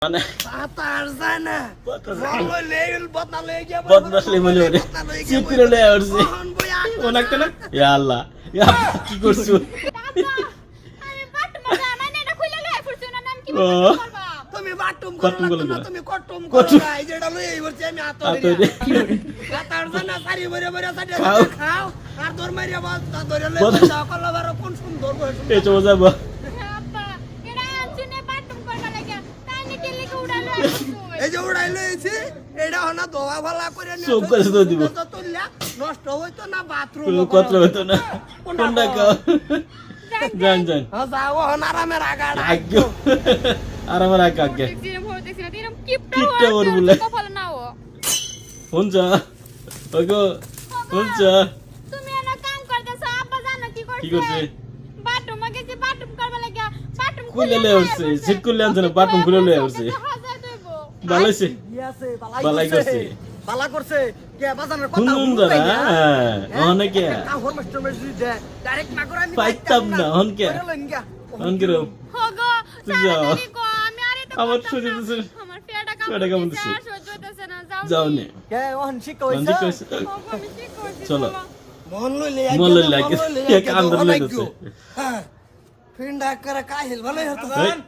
মানে বাতার যায় না বলো লেল বদনা লয়ে গিয়া বদমাশলি বলে ওরে চিত্র লয়ে আসছে ওনাকে না ইয়া আল্লাহ ইয়া কি করছো আমি বাটুম মানে এটা খুলে লয়ে ফুরছো না নাম কি ও তুমি বাটুম কটুম করো করো না না। তুমি কটুম করো না এই যেটা লয়ে এইবরছি আমি আতরে বাতার যায় না সারি ভরে ভরে সারি খাও। খাও আর দর মারিয়া বাদ ধরে লয়ে বদ- যাও কলবার কোন সুন্দর বসে এই চলে যাবো আব্বা এটা আনছুনে বাটুম করবা লাগা তাই নি কেলে কে উড়ালো এই যে উড়াই লইছি এটা হনা দোয়া ভালা করে নিয়ে সব করে তো দিব। তুললা নষ্ট হইতো না বাথরুম কোনো কথা হতো না কোনটা খাও জান জান হ্যাঁ যাও হন আরামে রাগাড় আগে আর আমার আগে দেখছি না এরকম কিপটা কিপটা ওর বলে। কপাল নাও হুনজা ওগো হুনজা তুমি এনা কাম করতেছ আব্বা জানো কি করছে কি করছে বাটুম আগে যে বাটুম করবা লাগা বাটুম খুলে লয়ে আসছে সিট খুলে আনছে না বাটুম খুলে লয়ে আসছে হাজার দেবো ভালো হইছে ইয়াছে বালাই করছে। বালা করছে কে বাজানের কথা হুন যারা অনেকে কাহর মাস্টার মেসেজ দে ডাইরেক্ট না করে আমি পাইতাম না অনকে অনকে রো হোগো যাও। তাড়াতাড়ি কো আমি আরে তো আমার করতাম শরীর না। দিছে। আমার পেটটা পেটটা কামড় কামড় দিছে। দিছে আর সহ্য হইতেছে না যাও যাও নে কে ওহন শিখ অনকে কইছে কইছে হোগো আমি কি করছি চলো। মন লইলে মন লইলে আগে এক আন্দোলন হইতেছে। হ্যাঁ ফিন্ডা করে কাহিল ভালো হতো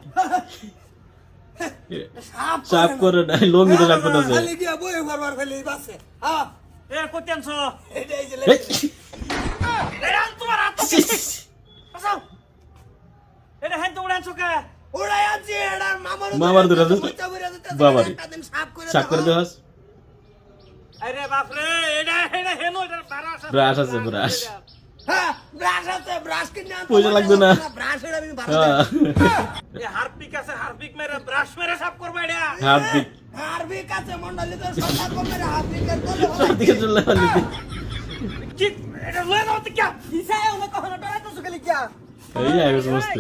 চাপ করে না লঙ্গি তো লাগবে না যে খালি গিয়া বই বারবার খালি বাসে হ্যাঁ এ কোতেনছ এটা এই যে এই, এটা তোমার হাত বাসাও এটা হেন তোমরা আনছো কে ওড়াই আছে এটা মামার দুটো আছে। বাবারে। দিন সাফ করে চাপ করে দেওয়াস আরে বাপ রে এটা এটা হেন এটা বারাস ব্রাশ আছে ব্রাশ হ্যাঁ ব্রাশ আছে ব্রাশ কিনে আনতে পয়সা লাগবে না। ব্রাশ এটা আমি বারবার হ্যাঁ এ হারপিক আছে হারপিক মেরে ব্রাশ মেরে সাফ করবা এটা হার্দিক হারবিক আছে মন্ডলী তো সরকার কমের হারবিকের তলে দিকে চলে গেল কি এটা লয়ে দাও তো কি দিশায় ওনা কখনো ডরাইতো সুখালি কিয়া এই আগে সমস্ত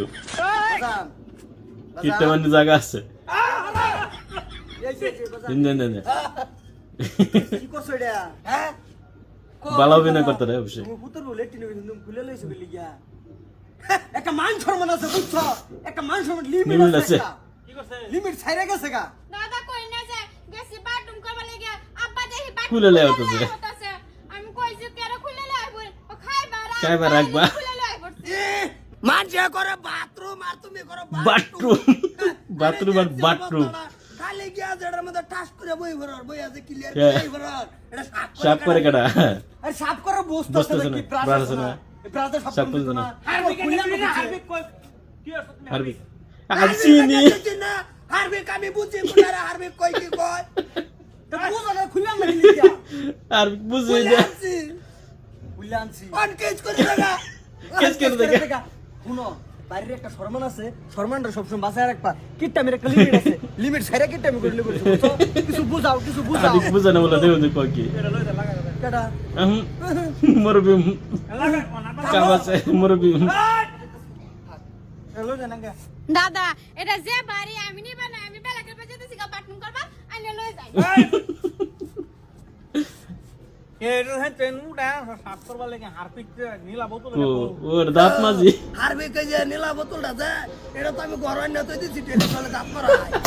কিটটা মানে জায়গা আছে দিন দিন দিন কি করছ এটা হ্যাঁ ভালো অভিনয় করতে রে অবশ্যই তুমি পুত্র বলে টিনে কিন্তু খুলে লইছে বলি গিয়া একটা মান সম্মান আছে বুঝছো একটা মান সম্মান লিমিট লিমিট আছে। আছে কি করছে লিমিট ছাইরা গেছে গা দাদা কই না যায় গেছি বাটুম করবা লাগা আব্বা দেখি বাটুম খুলে লয়ে হইতাছে। হইতাছে। আমি কইছি কেন খুলে লয়ে আইবো ও খাইবা খাইবা রাখবা। খুলে লয়ে আইবো মানছে করে বাথরুম আর তুমি করো বাথরুম বাথরুম আর বাথরুম খালি গিয়া যেটার মধ্যে টাস করে বই ভরার বই আছে ক্লিয়ার হ্যাঁ। বই ভরার এটা সাপ করে কাটা আরে সাফ করে বসতে বসতেছে না, ব্রাশ আছে না। ব্রাশে সাফ সাফ করে করে না না। হারপিক খুলে এটা না হারপিক কই কি আছে তুমি হার্দিক আসিনি হারবিক আমি বুঝি কোনারে হারবিক কই কি কয় তো বুঝো না খুলে না লিখা আর বুঝে খুলে না আনছি বুঝলে আনছি অন কেজ করে দেখা কেজ করে দেখা। শুনো বাইরের একটা শর্মান আছে শর্মানটা সবসময় বাঁচায় রাখবা কিটটা মেরে একটা লিমিট আছে লিমিট ছাইরা কিটটা আমি করলে বলছো বুঝছো? কিছু বুঝাও কিছু বুঝাও হার্দিক বুঝে না বলে দেও যে কই কি এটা লয়ে দে লাগা কেডা মরবি লাগা কোনা কাম আছে মরবি হ্যালো জানাঙ্গা দাদা এটা যে বাড়ি আমি নিবা না আমি বেলা করে যেতেছি গা বাটুম করবা আইলে লয়ে যাই এটা হেন তেন উড়া সাফ করবা লাগে হারপিক নীলা বোতল ও ওর দাঁত মাঝি হারবিক যে নীলা বোতলটা যে এটা তো আমি ঘর আইনা তো দিছি টেলিফোনে দাঁত মারা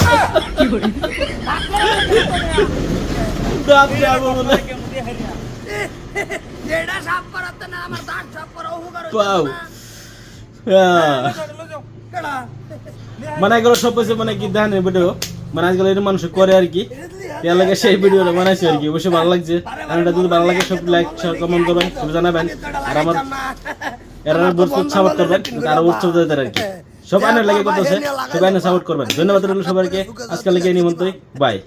দাঁত যাবো বলে কেমন দিয়ে হারিয়া এটা সাফ করাতে না আমার দাঁত সাফ করা উপকার পাও লয়ে যাও কেডা মানে এগুলো সব কিছু মানে কি দেখেন ভিডিও মানে আজকাল এটা মানুষ করে আর কি এর লাগে সেই ভিডিওটা বানাইছি আর কি অবশ্যই ভালো লাগছে আর এটা যদি ভালো লাগে সব লাইক শেয়ার কমেন্ট করবেন সব জানাবেন আর আমার এরা বহুত সাপোর্ট করবেন আর উৎসব দিতে আর কি সব আইনের লাগে করতেছে সব আইনে সাপোর্ট করবেন ধন্যবাদ রইল সবাইকে আজকাল লাগে নিমন্ত্রণ বাই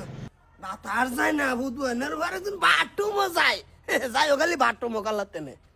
না তার যায় না বুধবার বাটুমো যায় যাই খালি বাটুমো কালাতে